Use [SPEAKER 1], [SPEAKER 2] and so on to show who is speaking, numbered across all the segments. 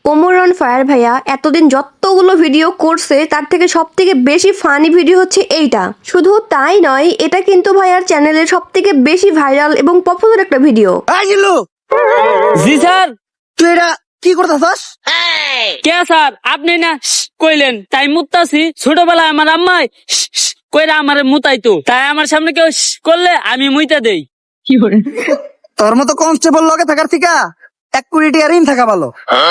[SPEAKER 1] Omar on fire ভাইয়া এতদিন যতগুলো ভিডিও করছে তার থেকে সব থেকে বেশি ফানি ভিডিও হচ্ছে এইটা। শুধু তাই নয়, এটা কিন্তু ভাইয়ার চ্যানেলের সব থেকে বেশি ভাইরাল এবং পপুলার একটা ভিডিও।
[SPEAKER 2] জি স্যার।
[SPEAKER 3] তুই এটা কি করতেছস?
[SPEAKER 2] কে স্যার আপনি না কইলেন তাই মুতাছি। ছোটবেলায় আমার আম্মাই কইরা আমার মুতাইতো, তাই আমার সামনে কেউ করলে আমি মুইতা দেই।
[SPEAKER 3] তোর মতো কনস্টেবল লগে থাকার থেকে 1 কোটি টাকা ঋণ থাকা ভালো।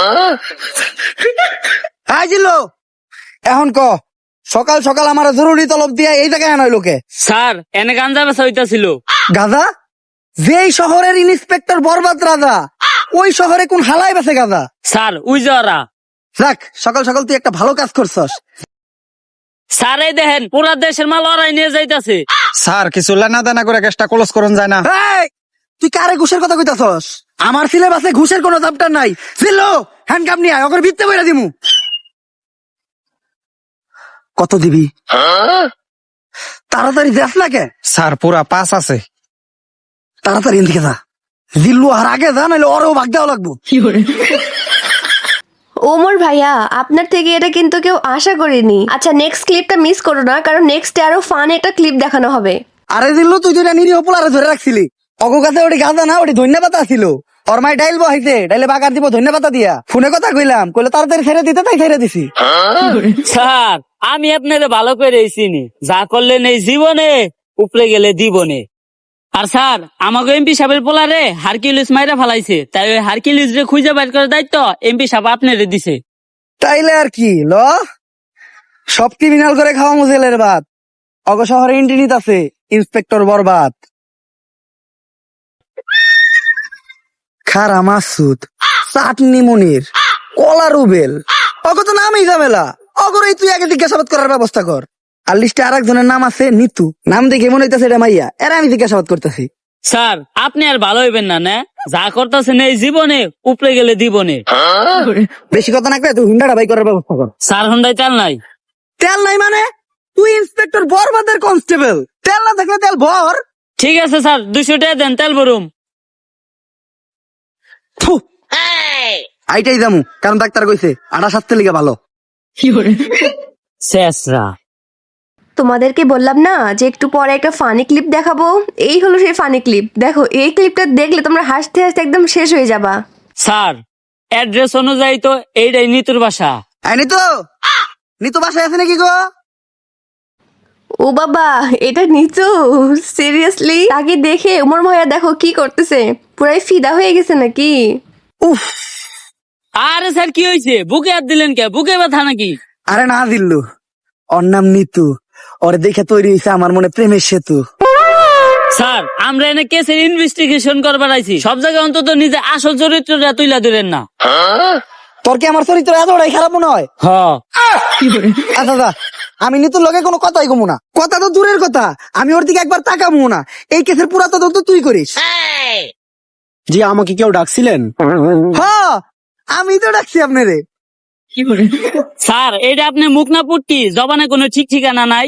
[SPEAKER 3] হ্যাঁ জিল্লু, এখন ক সকাল সকাল আমার জরুরি তলব দিয়া এই জায়গায় আনাই লোকে।
[SPEAKER 2] স্যার এনে গাঞ্জা বেচা হইতাছিল।
[SPEAKER 3] গাদা? যেই শহরের ইন্সপেক্টর বরবাদ রাজা, ওই শহরে কোন হালাই বেছে গাদা?
[SPEAKER 2] স্যার উই যারা।
[SPEAKER 3] দেখ সকাল সকাল তুই একটা ভালো কাজ করছস।
[SPEAKER 2] স্যার এই দেখেন পুরা দেশের মাল ওরাই নিয়ে যাইতাছে।
[SPEAKER 4] স্যার কিছু লেনা দেনা করে কেসটা ক্লোজ করুন যায় না?
[SPEAKER 3] এই, তুই কারে ঘুষের কথা কইতাছস? আমার সিলেবাসে ঘুষের কোনো চ্যাপ্টার নাই। জিল্লু, হ্যান্ডকাপ নিয়ে আয়, ওকে ভিত্তে বইরা দিমু। কত দিবি? তাড়াতাড়ি দেখ না কে?
[SPEAKER 4] স্যার পুরা 5 আছে।
[SPEAKER 3] তাড়াতাড়ি এদিকে যা। জিল্লু আর আগে যা, নাহলে ওরও ভাগ দেওয়া লাগবো।
[SPEAKER 1] ওমর ভাইয়া আপনার থেকে এটা কিন্তু কেউ আশা করেনি। আচ্ছা নেক্সট ক্লিপটা মিস করো না, কারণ নেক্সটে আরো ফান একটা ক্লিপ দেখানো হবে।
[SPEAKER 3] আরে জিল্লু, তুই তো এটা নিরীহ পোলারে ধরে রাখছিলি। অগো কাছে ওটি গাঁজা না, ওটি ধন্যা পাতা ছিল। ওর মাই ডাইল বহাইছে, ডাইলে বাগার দিব ধন্যা পাতা দিয়া। ফোনে কথা কইলাম, কইলে তাড়াতাড়ি ছেড়ে দিতে, তাই ছেড়ে দিছি।
[SPEAKER 2] স্যার আমি আপনারে ভালো করে চিনি, যা করলেন এই জীবনে উপরে গেলে দিবনে। আর স্যার আমাকে এমপি সাহেবের পোলারে হারকিউলিস মাইরা ফালাইছে, তাই ওই হারকিউলিস রে খুঁজে বাইর করার দায়িত্ব এমপি সাহেব আপনারে দিছে।
[SPEAKER 3] তাইলে আর কি ল, সব ক্রিমিনাল করে খাওয়া মুজেলের ভাত। অগ শহরে ইন্টিনিত আছে ইন্সপেক্টর বরবাদ। খারা মাসুদ, চাটনি মনির, কলা রুবেল, অগ তো নামই ঝামেলা। অগরই তুই আগে জিজ্ঞাসাবাদ করার ব্যবস্থা কর। আর লিস্টে আর একজনের নাম আছে নিতু, নাম দেখে মনে হইতেছে এটা মাইয়া। এরা আমি জিজ্ঞাসাবাদ করতেছি।
[SPEAKER 2] স্যার আপনি আর ভালো হইবেন না, না যা করতেছেন এই জীবনে উপরে গেলে দিবনে।
[SPEAKER 3] বেশি কথা না করে তুই হুন্ডাটা বাই করার ব্যবস্থা কর।
[SPEAKER 2] স্যার হন্ডাই চাল নাই।
[SPEAKER 3] তেল নাই মানে? তুই ইন্সপেক্টর বরবাদের কনস্টেবল, তেল না থাকলে তেল ভর।
[SPEAKER 2] ঠিক আছে স্যার 200 টাকা দেন, তেল ভরুম।
[SPEAKER 3] থু, আইটাই যামু, কারণ ডাক্তার কইছে আটা স্বাস্থ্যের লিগে ভালো।
[SPEAKER 2] শেষরা
[SPEAKER 1] তোমাদেরকে বললাম না যে একটু পরে একটা ফানি ক্লিপ দেখাবো। এই হলো সেই ফানি ক্লিপ। দেখো এই ক্লিপটা দেখলে তোমরা হাসতে হাসতে একদম শেষ হয়ে যাবা।
[SPEAKER 2] স্যার অ্যাড্রেস অনুযায়ী তো এইটাই নিতুর বাসা।
[SPEAKER 3] নিতু, নিতু বাসায় আছে নাকি গো?
[SPEAKER 1] ও বাবা, এটা নিচু? সিরিয়াসলি? তাকে দেখে ওমর ভাইয়া দেখো কি করতেছে, পুরাই ফিদা হয়ে গেছে নাকি?
[SPEAKER 3] উফ,
[SPEAKER 2] আরে স্যার কি হয়েছে, বুকে হাত দিলেন কে? বুকে ব্যথা নাকি?
[SPEAKER 3] আরে না দিল্লু, ওর নাম নিতু। ওর দেখে তৈরি হয়েছে আমার মনে প্রেমের সেতু।
[SPEAKER 2] স্যার আমরা এনে কেসের ইনভেস্টিগেশন করবার আইছি, সব জায়গায় অন্তত নিজে আসল চরিত্রটা তুইলা ধরেন না।
[SPEAKER 3] তোর কি আমার চরিত্র এতটাই খারাপ মনে হয়?
[SPEAKER 2] হ
[SPEAKER 3] আচ্ছা আচ্ছা, আমি নিতুর লগে কোনো কথাই কমু না। কথা তো দূরের কথা, আমি ওর দিকে একবার তাকাবো না। এই কেসের পুরা তদন্ত তুই করিস।
[SPEAKER 4] জি আমাকে কেউ ডাকছিলেন?
[SPEAKER 3] হ্যাঁ, আমি তো ডাকছি আপনারে।
[SPEAKER 2] স্যার এটা আপনি মুখ না পুটকি, জবানে কোনো ঠিক ঠিকানা নাই।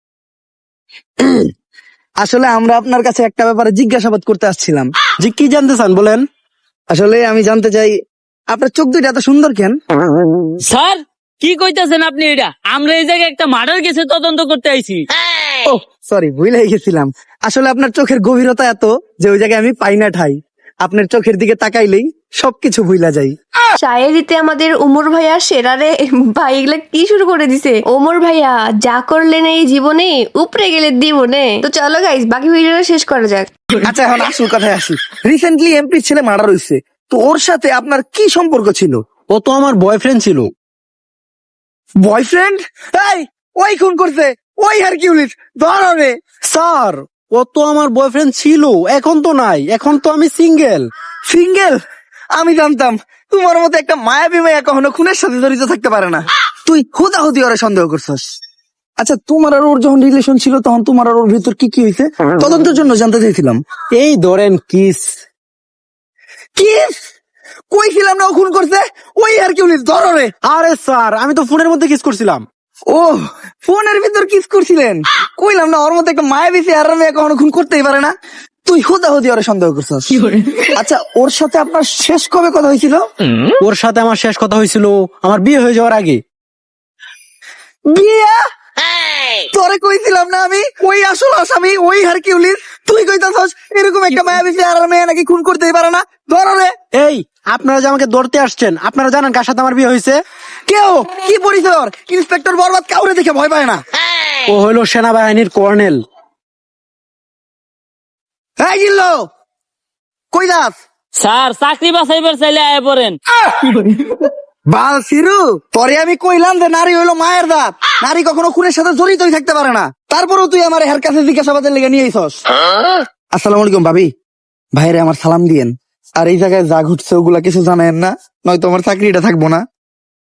[SPEAKER 3] আসলে আমরা আপনার কাছে একটা ব্যাপারে জিজ্ঞাসাবাদ করতে আসছিলাম।
[SPEAKER 4] জি কি জানতে চান বলেন?
[SPEAKER 3] আসলে আমি জানতে চাই আপনার চোখ দুইটা এত সুন্দর কেন?
[SPEAKER 2] স্যার কি কইতাছেন আপনি? এটা আমরা এই জায়গায় একটা মার্ডার কেসে তদন্ত করতে আইছি।
[SPEAKER 3] ও সরি, ভুলে গেছিলাম। আসলে আপনার চোখের গভীরতা এত যে ওই জায়গায় আমি পাই না ঠাই। আপনার চোখের দিকে তাকাইলেই সবকিছু ভুলা যাই।
[SPEAKER 1] শায়েরিতে আমাদের ওমর ভাইয়া সেরারে ভাই এগুলা কি শুরু করে দিছে। ওমর ভাইয়া যা করলেন এই জীবনে উপরে গেলে দিবনে। তো চলো গাইস বাকি ভিডিওটা শেষ করা যাক।
[SPEAKER 3] আচ্ছা এখন আসল কথায় আসি। রিসেন্টলি এমপির ছেলে মার্ডার হয়েছে, তো ওর সাথে আপনার কি সম্পর্ক ছিল?
[SPEAKER 4] ও তো আমার বয়ফ্রেন্ড ছিল।
[SPEAKER 3] বয়ফ্রেন্ড? এই, ওই খুন করছে, ওই হারকিউলিস ধর হবে।
[SPEAKER 4] স্যার ও তো আমার বয়ফ্রেন্ড ছিল, এখন তো নাই, এখন তো আমি সিঙ্গেল।
[SPEAKER 3] সিঙ্গেল? আমি জানতাম তোমার মতো একটা মায়াবী মায়া কখনো খুনের সাথে জড়িত থাকতে পারে না। তুই হুদাহুদি ওরে সন্দেহ করছস। আচ্ছা তোমার আর ওর যখন রিলেশন ছিল তখন তোমার আর ওর ভিতর কি কি হয়েছে তদন্তের জন্য জানতে চাইছিলাম।
[SPEAKER 4] এই ধরেন কিস।
[SPEAKER 3] কিস? কইছিলাম না ও খুন করছে, ওই হারকিউলিস ধর রে।
[SPEAKER 4] আরে স্যার আমি তো ফোনের মধ্যে কিস করছিলাম।
[SPEAKER 3] ও ফোনের ভিতর কিস করছিলেন? কইলাম না ওর মতো একটা মায়াবী চেহারার মেয়ে কখনো খুন করতেই পারে না। তুই হুদাহুদি ওরে সন্দেহ করছস। আচ্ছা, ওর সাথে আপনার শেষ কবে কথা হয়েছিল?
[SPEAKER 4] ওর সাথে আমার শেষ কথা হয়েছিল আমার বিয়ে হয়ে যাওয়ার আগে।
[SPEAKER 3] বিয়া? তোরে কইছিলাম না আমি ওই আসল আসামি ওই হারকিউলিস, তুই কইতাছস এরকম একটা মায়াবী চেহারার মেয়ে নাকি খুন করতেই পারে না? ধর রে।
[SPEAKER 4] এই আপনারা যে আমাকে ধরতে আসছেন, আপনারা জানেন কার সাথে আমার বিয়ে হয়েছে?
[SPEAKER 3] কেউ কি পরিচয় ওর? ইন্সপেক্টর বরবাদ কাউরে দেখে ভয় পায় না।
[SPEAKER 4] ও হইল সেনাবাহিনীর কর্নেল।
[SPEAKER 3] এই গিল্লো, কই যাস?
[SPEAKER 2] স্যার চাকরি বাঁচাইবার চাইলে আয় পড়েন।
[SPEAKER 3] বাল সিরু, তোরে আমি কইলাম যে নারী হইলো মায়ের দাঁত, নারী কখনো খুনের সাথে জড়িতই থাকতে পারে না, তারপরেও তুই আমার হের কাছে জিজ্ঞাসাবাদের লেগে নিয়ে আইছস। আসসালামু আলাইকুম ভাবি, ভাইরে আমার সালাম দিয়েন। আর এই জায়গায় যা ঘটছে ওগুলা কিছু জানেন না, নয়তো আমার চাকরিটা থাকবো না।